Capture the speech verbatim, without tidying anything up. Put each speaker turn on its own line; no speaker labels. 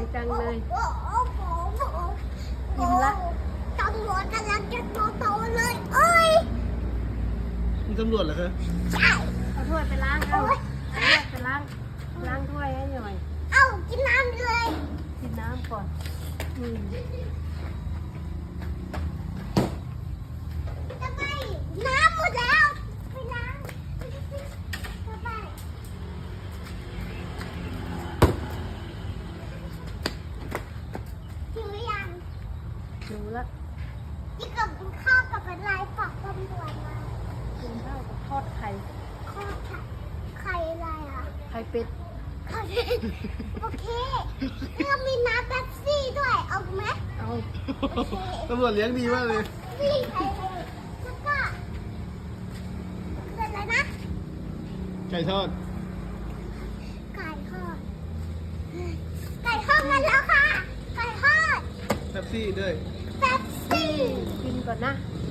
จังเลย
โอ้โอ้โอ้โอ้โอ้
อิ่มละ
ตำรวจกำลังจะโตๆเลยเอ้ย
มีตำรวจเหรอคะ
ใช่
เอาถ้วยไปล้างเอาเอาถ้วยไปล้างล้างถ้วยให้หน่อย
เอ้ากินน้ำเลย
กินน้ำก่อนอืม
จะไปน้ำหมดแล้วไปล้างจะไปหิวหรือยัง
ดูละ
ที่กับข้าวกับอะไรฝากตำรวจมา
กินข้าวกับทอดไข่
ข้าวไข่ไข่อะไรอ่ะ
ไข่เป็ด
ไข่โอเคแล้วมีน้ำเป๊ปซี่ด้วยเอาไหม
เอา
ตำรวจเลี้ยงดีมากเลย
นี่ไข่แล้วก็เป็นอะไรนะ
ไก่ทอด
ไก่ทอดไก่ทอดมาแล้วค่ะไก่ทอด
แท็บซี่ด้วย
เป๊ปซี่
กินก่อนนะ
อ